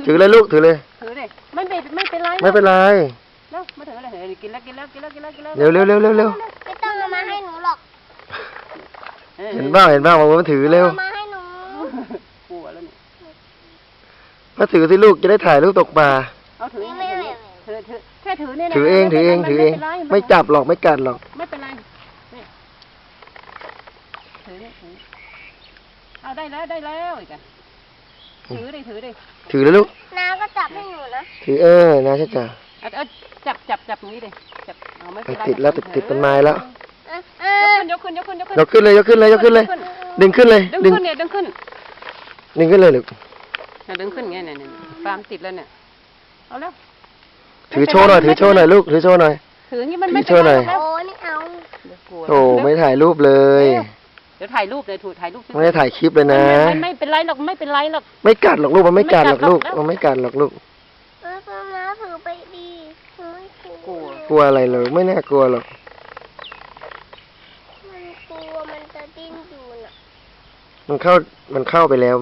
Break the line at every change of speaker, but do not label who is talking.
ถือเลยลูกถือเลย
ถือเลยไม่เป็นไร
ไม่เป็นไร
แล้วมาถือเลยกินแล้ว
เร็ว
ไม่ต้องเอามาให้หนูหรอก
เห็นบ้างว่ามันถือเร็ว
เอามาให้หนู
กลัวแล้วเนี่ย
มาถือสิลูกจะได้ถ่ายรูปตกปลา
เอาถือแค่ถือเนี่ย
ถือเองไม่จับหรอกไม่กัดหรอก
ไม่เป็นไรนี่ถือเอาได้แล้วอีกอ่ะถือดิ
ถือเลยลูก
น้าก็จับให้หนูนะ
ถือนะใช่จ้ะ
จับตรงนี้ดิจับเอาไม่เป็นไร
ติดแล้วติดต้นไม้แล้ว
ยกขึ้น
ยกขึ้นเลยดึงขึ้นเลยดึงขึ้นเลยลูก
ดึงขึ้นไงเนี่ยฟาร์มติดแล้วเนี่ยเอาแล้ว
ถือโชว์หน่อยลูกถือโชว์หน่อย
ถืออย่างนี้มันไม่
โชว์หน่อย
โอ้ไม่เอา
โอ้ไม่ถ่ายรูปเลย
เดี๋ยวถ่ายรูปเลยถ่ายรูป
ไม่ได้ถ่ายคลิปเลยนะ
ไม่เป็นไรหรอก
ไม่กัดหรอกลูกมันไม่กัดหรอกลูกมันไม่กัดหรอกลูก
น้าถือไปดีหนูไม่กลัว
กลัวอะไรเลยไม่น่ากลัวหรอก
มันกลัวมันจะดิ้นอยู่น่ะ
มันเข้าไปแล้ว